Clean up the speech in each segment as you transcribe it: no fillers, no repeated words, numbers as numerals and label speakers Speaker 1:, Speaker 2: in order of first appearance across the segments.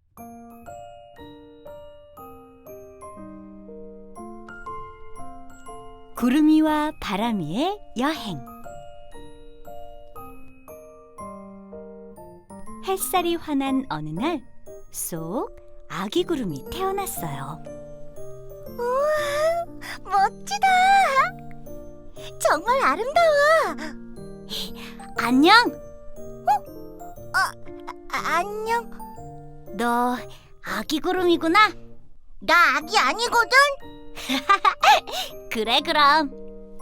Speaker 1: 구름이와 바람이의 여행. 햇살이 환한 어느 날, 쏙 아기 구름이 태어났어요.
Speaker 2: 우와, 멋지다. 정말 아름다워.
Speaker 1: 안녕!
Speaker 2: 안녕.
Speaker 1: 너 아기 구름이구나?
Speaker 2: 나 아기 아니거든.
Speaker 1: 그래, 그럼.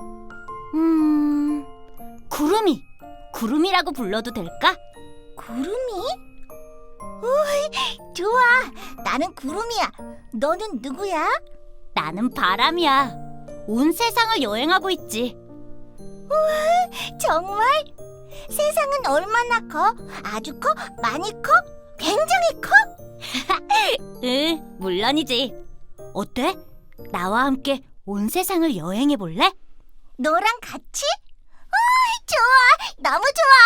Speaker 1: 구름이라고 불러도 될까?
Speaker 2: 구름이? 우이, 좋아. 나는 구름이야. 너는 누구야?
Speaker 1: 나는 바람이야. 온 세상을 여행하고 있지.
Speaker 2: 정말? 세상은 얼마나 커? 아주 커? 많이 커? 굉장히 커?
Speaker 1: 응, 물론이지. 어때? 나와 함께 온 세상을 여행해 볼래?
Speaker 2: 너랑 같이? 좋아. 너무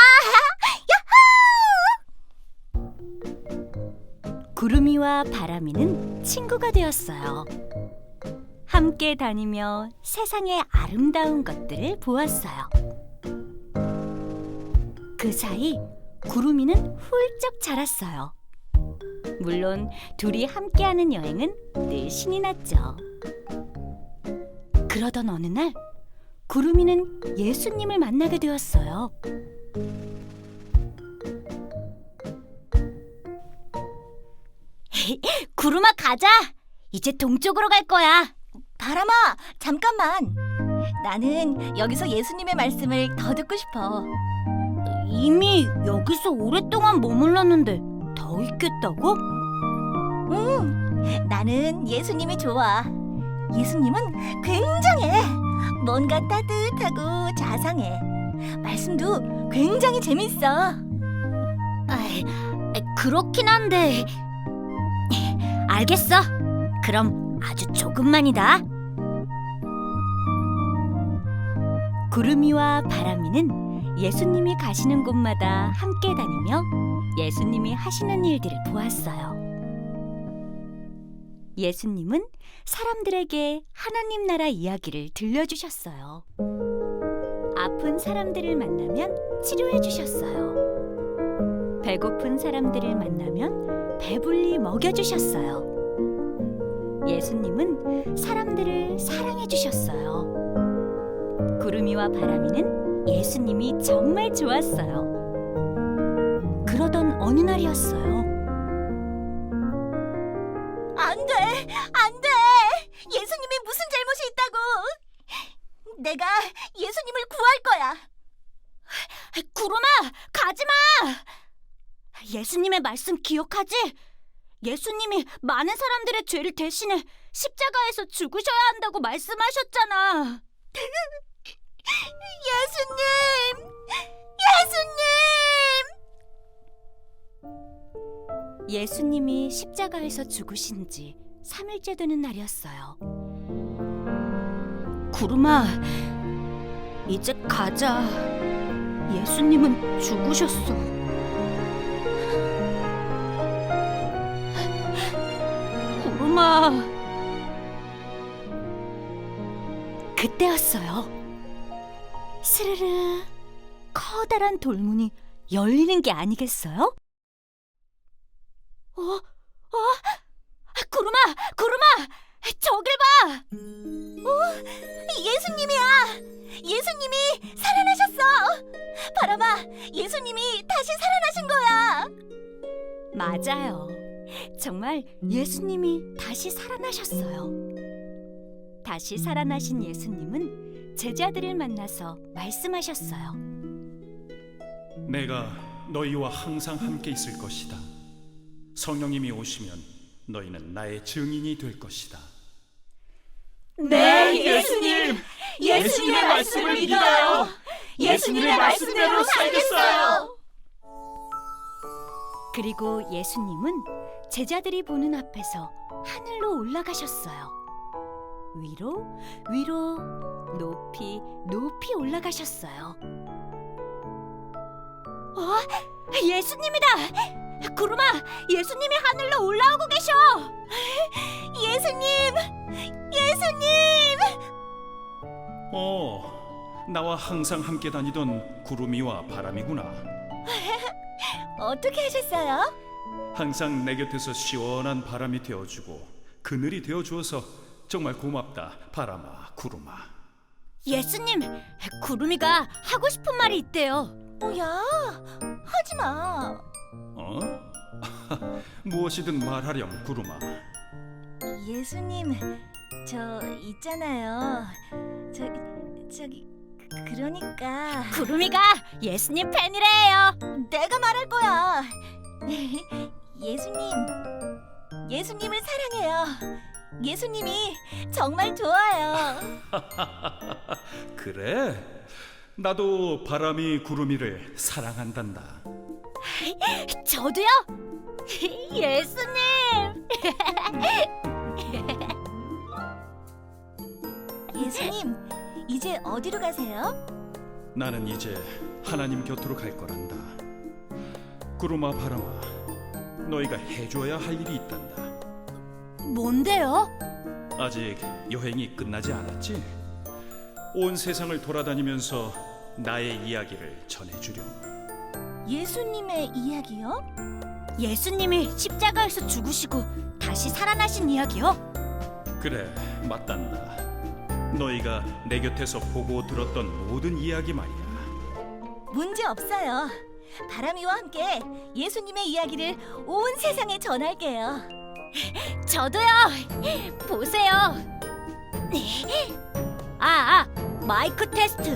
Speaker 2: 좋아.
Speaker 1: 구름이와 바람이는 친구가 되었어요. 함께 다니며 세상의 아름다운 것들을 보았어요. 그 사이 구름이는 훌쩍 자랐어요. 물론 둘이 함께하는 여행은 늘 신이 났죠. 그러던 어느 날 구름이는 예수님을 만나게 되었어요. 구름아, 가자. 이제 동쪽으로 갈 거야.
Speaker 2: 바람아, 잠깐만. 나는 여기서 예수님의 말씀을 더 듣고 싶어.
Speaker 1: 이미 여기서 오랫동안 머물렀는데 더 있겠다고?
Speaker 2: 나는 예수님이 좋아. 예수님은 굉장해. 뭔가 따뜻하고 자상해. 말씀도 굉장히 재밌어.
Speaker 1: 그렇긴 한데. 알겠어. 그럼 아주 조금만이다. 구름이와 바람이는 예수님이 가시는 곳마다 함께 다니며 예수님이 하시는 일들을 보았어요. 예수님은 사람들에게 하나님 나라 이야기를 들려주셨어요. 아픈 사람들을 만나면 치료해 주셨어요. 배고픈 사람들을 만나면 배불리 먹여주셨어요. 예수님은 사람들을 사랑해 주셨어요. 구름이와 바람이는 예수님이 정말 좋았어요. 그러던 어느 날이었어요.
Speaker 2: 안 돼! 안 돼! 예수님이 무슨 잘못이 있다고! 내가 예수님을 구할 거야!
Speaker 1: 구름아, 가지마! 예수님의 말씀 기억하지? 예수님이 많은 사람들의 죄를 대신해 십자가에서 죽으셔야 한다고 말씀하셨잖아.
Speaker 2: 예수님! 예수님!
Speaker 1: 예수님이 십자가에서 죽으신 지 3일째 되는 날이었어요. 구름아, 이제 가자. 예수님은 죽으셨어. 구름아. 그때였어요. 스르르 커다란 돌문이 열리는 게 아니겠어요? 구름아, 저길 봐!
Speaker 2: 예수님이야! 예수님이 살아나셨어! 바람아, 예수님이 다시 살아나신 거야!
Speaker 1: 맞아요. 정말 예수님이 다시 살아나셨어요. 다시 살아나신 예수님은 제자들을 만나서 말씀하셨어요.
Speaker 3: 내가 너희와 항상 함께 있을 것이다. 성령님이 오시면 너희는 나의 증인이 될 것이다.
Speaker 2: 네, 예수님! 예수님의 말씀을 믿어요! 예수님의 말씀대로 살겠어요!
Speaker 1: 그리고 예수님은 제자들이 보는 앞에서 하늘로 올라가셨어요. 위로, 위로, 높이, 높이 올라가셨어요. 예수님이다! 구름아, 예수님이 하늘로 올라오고 계셔.
Speaker 2: 예수님! 예수님!
Speaker 3: 나와 항상 함께 다니던 구름이와 바람이구나.
Speaker 2: 어떻게 하셨어요?
Speaker 3: 항상 내 곁에서 시원한 바람이 되어주고 그늘이 되어주어서 정말 고맙다, 바람아, 구름아.
Speaker 1: 예수님, 구름이가 하고 싶은 말이 있대요.
Speaker 2: 야, 하지 마.
Speaker 3: 무엇이든 말하렴, 구름아.
Speaker 2: 예수님, 저 있잖아요. 저기 그러니까
Speaker 1: 구름이가 예수님 팬이래요.
Speaker 2: 내가 말할 거야. 예수님을 사랑해요. 예수님이 정말 좋아요.
Speaker 3: 그래? 나도 바람이 구름이를 사랑한단다.
Speaker 1: 저도요. 예수님.
Speaker 2: 예수님, 이제 어디로 가세요?
Speaker 3: 나는 이제 하나님 곁으로 갈 거란다. 구름아, 바람아, 너희가 해줘야 할 일이 있단다.
Speaker 1: 뭔데요?
Speaker 3: 아직 여행이 끝나지 않았지? 온 세상을 돌아다니면서 나의 이야기를 전해주렴.
Speaker 2: 예수님의 이야기요?
Speaker 1: 예수님이 십자가에서 죽으시고 다시 살아나신 이야기요?
Speaker 3: 그래, 맞단다. 너희가 내 곁에서 보고 들었던 모든 이야기 말이야.
Speaker 2: 문제 없어요. 바람이와 함께 예수님의 이야기를 온 세상에 전할게요.
Speaker 1: 저도요. 보세요. 마이크 테스트.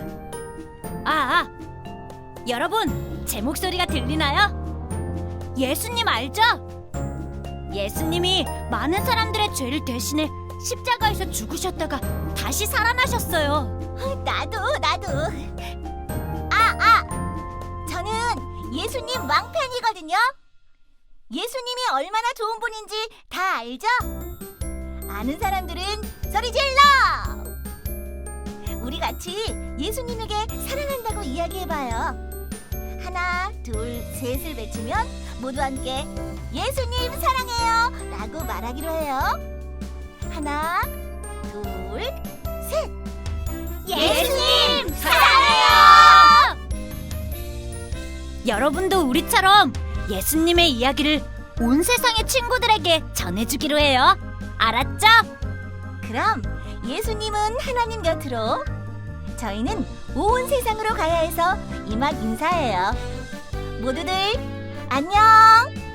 Speaker 1: 여러분, 제 목소리가 들리나요? 예수님 알죠? 예수님이 많은 사람들의 죄를 대신해 십자가에서 죽으셨다가 다시 살아나셨어요.
Speaker 2: 나도. 저는 예수님 왕팬이거든요. 예수님이 얼마나 좋은 분인지 다 알죠? 아는 사람들은 소리 질러! 우리 같이 예수님에게 사랑한다고 이야기해봐요. 하나, 둘, 셋을 외치면 모두 함께 예수님 사랑해요 라고 말하기로 해요. 하나, 둘, 셋!
Speaker 1: 예수님 사랑해요! 여러분도 우리처럼 예수님의 이야기를 온 세상의 친구들에게 전해주기로 해요. 알았죠?
Speaker 2: 그럼 예수님은 하나님 곁으로, 저희는 온 세상으로 가야 해서 이만 인사해요. 모두들 안녕!